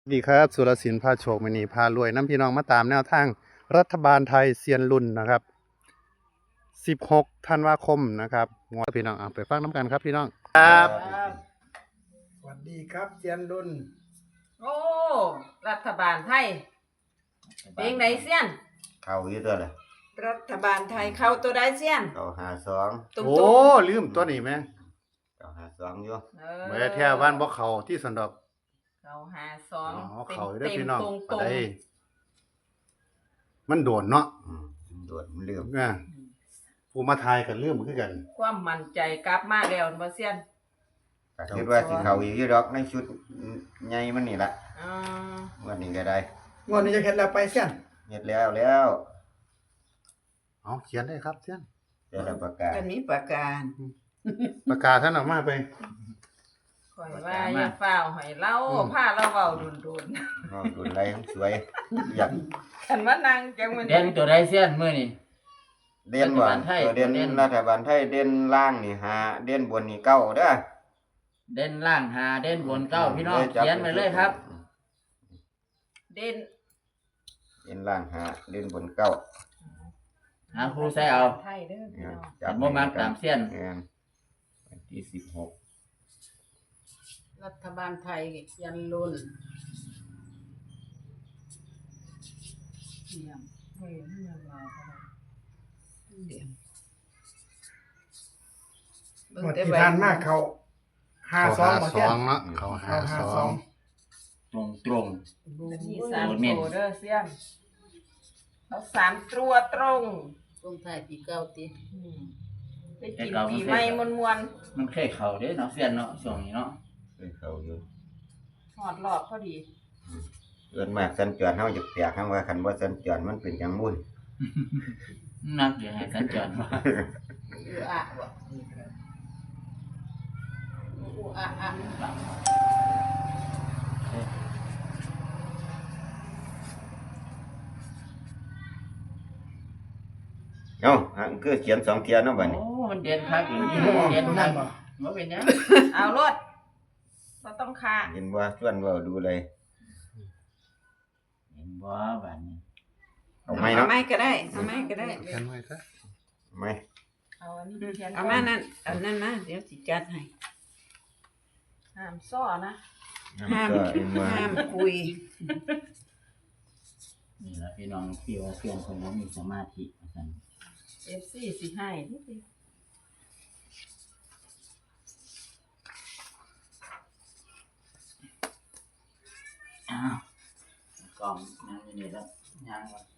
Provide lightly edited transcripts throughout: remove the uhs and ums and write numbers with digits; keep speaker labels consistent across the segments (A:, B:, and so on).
A: ดีครับสุรศิลป์พาโชคมณีพารวยน้ำพี่น้องมาตามแนวทางรัฐบาลไทยเซียนรุ่นนะครับ16ธันวาคมนะครับงวดพี่น้องไปฟังน้ำกันครับพี่น้องครับ
B: สวัสดีครับเจียนรุ่น
C: โอ้รัฐบาลไทยเพลงไหนเสี้ยน
D: เข้าอยู่ตัวเลย
C: รัฐบาลไทยเข้าตัวใดเสี้ยน
D: เข้า52
C: ตุ้ม
A: โอ้
C: ตุ้ม
A: ลืมตัวนี้ไหม
D: เข้า52อยู่
A: เมื่อแท้บ้านบ่เขาที่สันดอก
C: เข้า52
A: อ๋อเขาได้อพี่น้อง
C: ตรง
A: ปะไดมันโดนเนาะ
D: โดดมันลืม
A: ผู้มาทายกันลืมคือกัน
C: ความมั่นใจกลับมาแล้วบ่เสี้ยน
D: ก็คิดว่าสิเข้าอีกอยู่ดอกในชุดใหญ่มันนี่ล่ะ
C: อ่า
D: วันนี้ก็ได้
B: งวดนี้จะเห็นแล้วไปเสียน
D: เฮ็ดแล้ว
A: เอาเขียนได้ครับเสียน
D: เดี๋ยวเราประกาศ
C: กันมีประการ
A: ประกาศท่านออกมาไป
C: ข่อยว่าอย่าฟ้าวให้เล่าพาเราเว้าดุน
D: น้องดุนไรสวยอยาก
C: ๆคันว่านั่งจังมัน
E: เด่นตัวใดเสี้ยนมื้อนี่
D: เด่นบ่
E: รัฐบาลไทย
D: ตัวเด่น
E: เด่น
D: รัฐบาลไทยเด่นล่างนี่5เด่นบนนี่9เด้อ
E: เด่นล่าง5เด่นบน9พี่น้อง
D: จับ
E: เขียนไว้เลยครับ
C: เด่น
D: เด่นล่าง5เด่นบน9
E: หาครูใส่เอา
C: ไทยเด้อพี่น้อง
E: จับบ่มักตามเสี้ยน
D: วันที่16
C: รัฐบาลไทยยันรุ่นเยี่ยมเฮ้ยนี่ยังไงเยี่ยม
B: งวดที่ทานมากเขา
A: เขา
B: 52บ่เสียน
A: 52เนาะเขา
B: เขา
A: 52
E: ตรงตรง
C: มีสามตัวเด้อเสี้ยนเอา3ตัวตรง
F: ตรงท้ายปีเก่าติ
C: ไปกินปีใหม่มวน
E: ๆมันเคยเข้าเด้เนาะเสี้ยนเนาะช่วงนี้เนาะ
D: เคยเข้าอยู่
C: ๆหอดรอบพอดี
D: เอิ้นมากสัญจรเฮาจะแปลกคำว่าคันบ่สัญจรมันเป็นจังมุ่น
E: นักอย่าให้สัญจรมา
F: อืออะบ่อืออะ
D: เอ้าอันคือเขียน2เที่ยเนาะบัดนี้
E: โอ้มันเด่นคักอีกเด่นคักบ่เป็นหยัง
C: เอารถบ่ต้องคา
D: เห็นว่าชวนเว้าดูเลย
E: เห็นบ่บัดนี้
D: เอาไหมเนาะ
C: ไม่ก็ได้เอาไม่ก็ได้
A: เขียนไว้ซะ
D: ไหม
C: เอาอันนี้เขียน
F: เอามานั่นเอานั่นมาเดี๋ยวสิจัดให้
C: ห้ามซ้อนะ
F: ห้าม
D: ก็เห็นว่า
F: ห้ามคุย
E: นี่ล่ะพี่น้องที่ว่าเสี้ยนคนบ่มีสมาธิว่าซั่น
C: FC สิให้นิดเดียว
E: อ้าวกล้องนั่งอยู่นี่แล้วย่างก่อน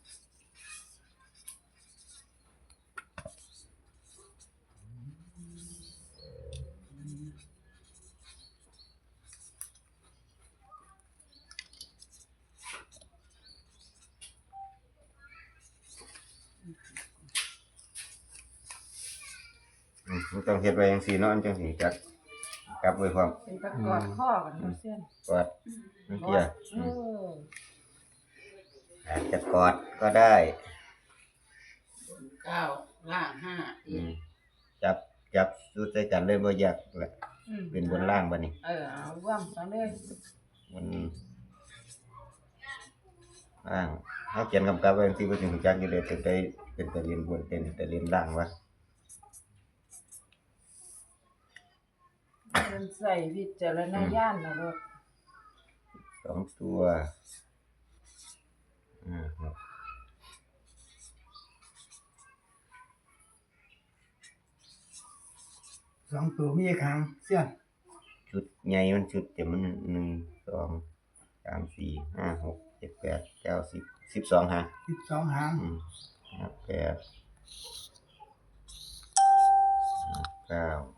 D: มันต้องเฮ็ดไว้จังซี่เนาะอันจังสิจักกลับไว้พร้อม
C: เป็นตะกอดข้อกันเนาะเสี้ยน
D: กอดจังซี่
C: เออ
D: อาจจะกอดก็ได้
F: เก้าล่างห้า
D: จับสู้ใส่กันเลยบ่อยากแหละ
C: อืม
D: เป็นบนล่างบัดนี้
C: เอาร่วมเอาเลย
D: บนล่างเฮาเขียนกำกับไว้จังซี่บ่ถึงจักอยู่เลยเป็นตะเรียนบนเป็นตะเรียนล่างวะ
C: มันใส่วิจารณญาณนะลูก
D: 2ตัวครับ
B: 2ตัวมีครั้งเสียน
D: ชุดใหญ่มันชุดเต็มมัน1 2 3 4 5 6 7 8 9 10 12หาง
B: 12หาง
D: 8 9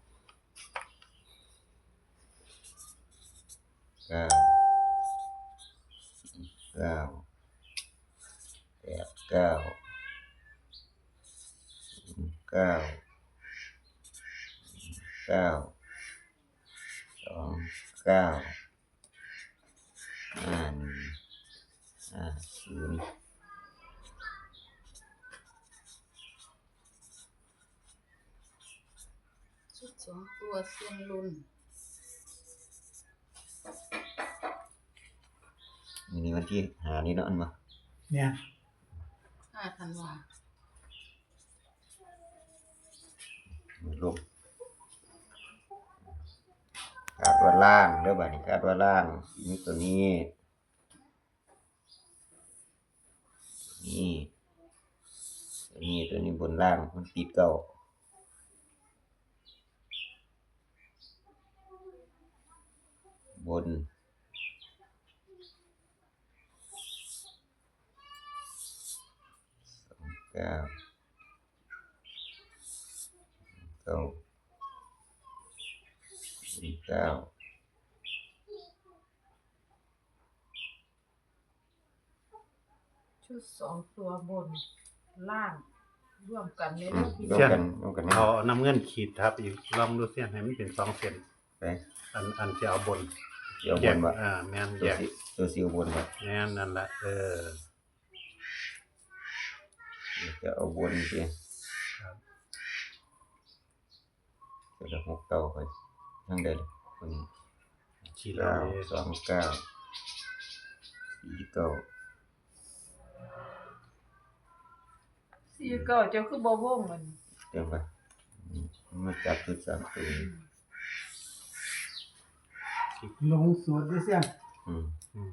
D: 0
F: ชุด2ตัวเสียนรุ่น
D: นี่วันที่หานี่เนาะอันมา
B: เนี่ย
F: 5 ธันวา
D: ลงคาดว่าล่างเด้อบัดนี้คาดว่าล่างมีตัวนี้ตัวนี้บนล่างมันติดเก่าบน29 เก้า
C: ชุด2ตัวบนล่างร่วมกันใน
D: อื
C: รู
D: ม
C: ปที่
D: ร่วมกันนี่
A: เอาน้ำเงินขีดทับอีกลองดูเสี้ยนให้มันเป็น2เส้น
D: ไป
A: อันจะเอาบน
D: เดี๋ยวบ
A: แยก
D: นบ่
A: แม่น
D: ตั
A: แยว ก
D: สิตัวสิวบนบ่
A: แม่นนั่นแหละ
D: เดี๋ยวจะเอาบนสิ
A: ครับ
D: จะ6 เก้าไปทางใดล่ะคนนี้
A: ขีดเอาเลย
D: 9 2 9 4 9
C: 4 9เจ้าคือบ่วงมัน
D: เต็มไปมาจับชุด3ตัวนี้
B: ลงสูตรด้วยเสี้ยน
D: อืม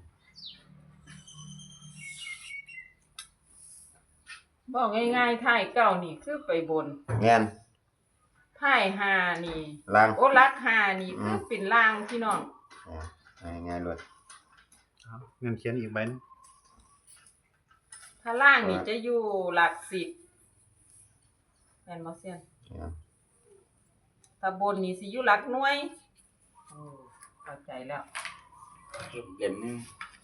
C: บอกง่ายๆท้ายเก้านี่คือไปบน
D: แม่น
C: ท้ายห้านี่
D: ล่าง
C: โอ้ลักห้านี่คือเป็นล่างพี่น้อง
D: ง่ายๆเลย
A: เอาเงินเขียนอีกใบหนึง
C: ถ้าล่างนี่จะอยู่หลัก10แม่นบ่เซียนถ้าบนนี่สิอยู่หลักหน่วยโอ้เข้าใจแล้ว
E: เด่นนึง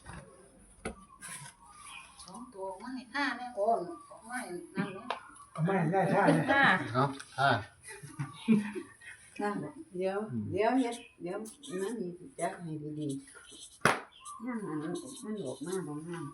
F: 2 ตัวไม่5แม่โอนไม่นั่นแหละ
B: เอาไม่ได้ท่าเนี่ย
C: ห้า
A: เอาอ่า
F: นั่นแหละเดี๋ยวเดี๋ยวนั่นนี่จักให้ดีๆนั่นมันออกมาบ่งาม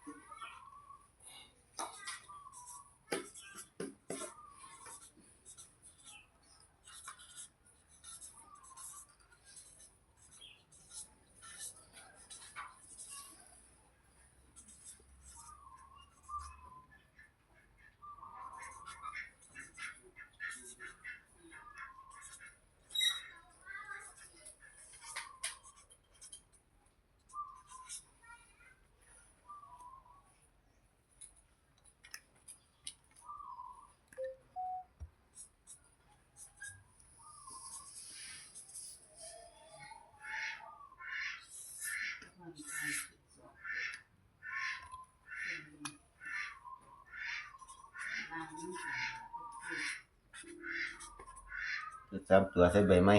D: ชุด3ตัวใส่ใบไม้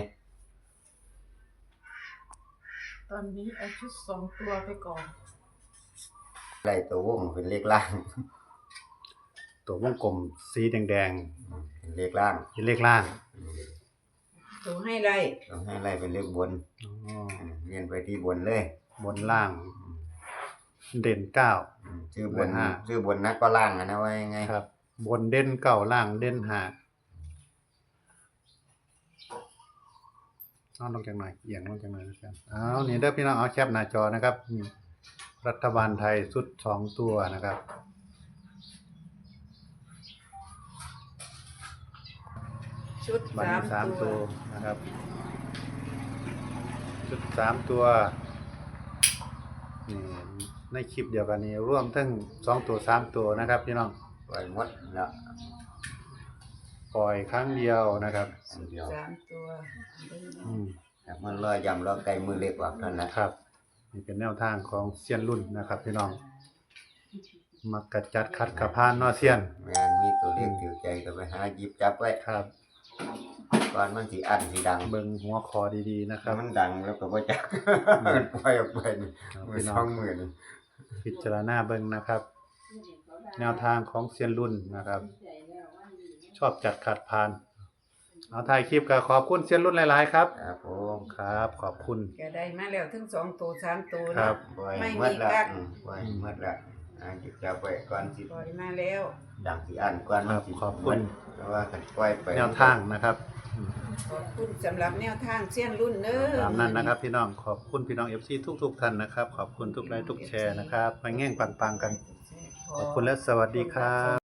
C: ตอนนี้เอาชุด2ตัวไปก่อน
D: ไล่ตัววงเป็นเลขล่าง
A: ตัววงกลมสีแดง
D: เป็นเลขล่าง
A: ๆเป็นเลขล่าง
F: ตัวให้ได้
D: ต้องให้ไล่เป็นเลขบน
A: อ๋อ
D: เรียนไปที่บนเลย
A: บนล่าง เด่น9
D: ชื่อบน
A: 5
D: ชื่อบนนักก็ล่างนะว่ายังไง
A: ครับ บนเด่น9ล่างเด่น5เอาลงจังหน่อยเอียงลงจังหน่อยนะครับเอานี่เด้อพี่น้องเอาแคปหน้าจอนะครับนี่รัฐบาลไทยชุด2ตัวนะครับ
F: ชุด
A: บัตรสาม
F: 3
A: ตั
F: ตัว ว
A: นะครับ ชุด3ตัวนี่ในคลิปเดียวกันนี้ร่วมทั้ง2ตัว3ตัวนะครับพี่น้อง
D: ปล่อยหมดแล้ว
A: ปล่อยครั้งเดียวนะครับ
D: อันเดียว
F: 3 ตัว
A: อืม
D: แต่มันลอยยำลอยไก่มือเล็กกว่าเท่านั้นแหละ
A: ครับนี่เป็นแนวทางของเซียนรุ่นนะครับพี่น้องมักกะจัดคัดกระพานเนอเซียน
D: แม่นมีตัวเลขถือใจก็ไปหาหยิบจับไว้
A: ครับ
D: ก่อนมันสิอันสิดัง
A: เบิ่งหัวคอดีๆนะครับ
D: มันดังแล้วก็บ่จักมันปล่อยออกไปนี่
A: ครับ
D: มือ
A: พี่
D: ส
A: น้
D: อ
A: อง
D: งมือนี่
A: พิจารณาเบิ่งนะครับ แนวทางของเซียนรุ่นนะครับ ชอบจัดขัดพาน เอาถ่ายคลิปก็ขอบคุณเซียนรุ่นหลายๆครับ
D: ครับผม
A: ครับ ขอบคุณ
F: ก็ได้มาแล้วถึง2 ตัว 3 ตัว
A: ครั
F: เนาะ
A: บ
D: ปล่อย
F: ไม่
D: หม
F: มี
D: ดแล้ว
F: กัก
D: ปล่อยหมดแล้วหยิบจับไว้ก่อนสิ
F: ปล่อยมาแล้ว
D: ดังสิอันก่อนมันสิ
A: ครับขอบคุณ
D: เพราะว่าคันปล่อยไป
A: แนวทางนะครับ
D: มันสิอันสิดัง
A: แนวทางของเซียนรุ่นนะครับ ชอบจัดขัดพาน เอาถ่ายคลิปก็ขอบคุณเซียนรุ่นหลายๆครับ ครับ ขอบคุณ
D: ครับผม
A: ครับ
D: ครับ
A: ขอบคุณ
F: ขอบคุณสำหรับแนวทางเสี้ยนรุ่นเด้อ
A: ตามนั้นนะครับพี่น้องขอบคุณพี่น้อง FC ทุกท่านนะครับขอบคุณทุกไลค์ทุกแชร์นะครับมาแง่งปังๆกันขอบคุณและสวัสดีครับ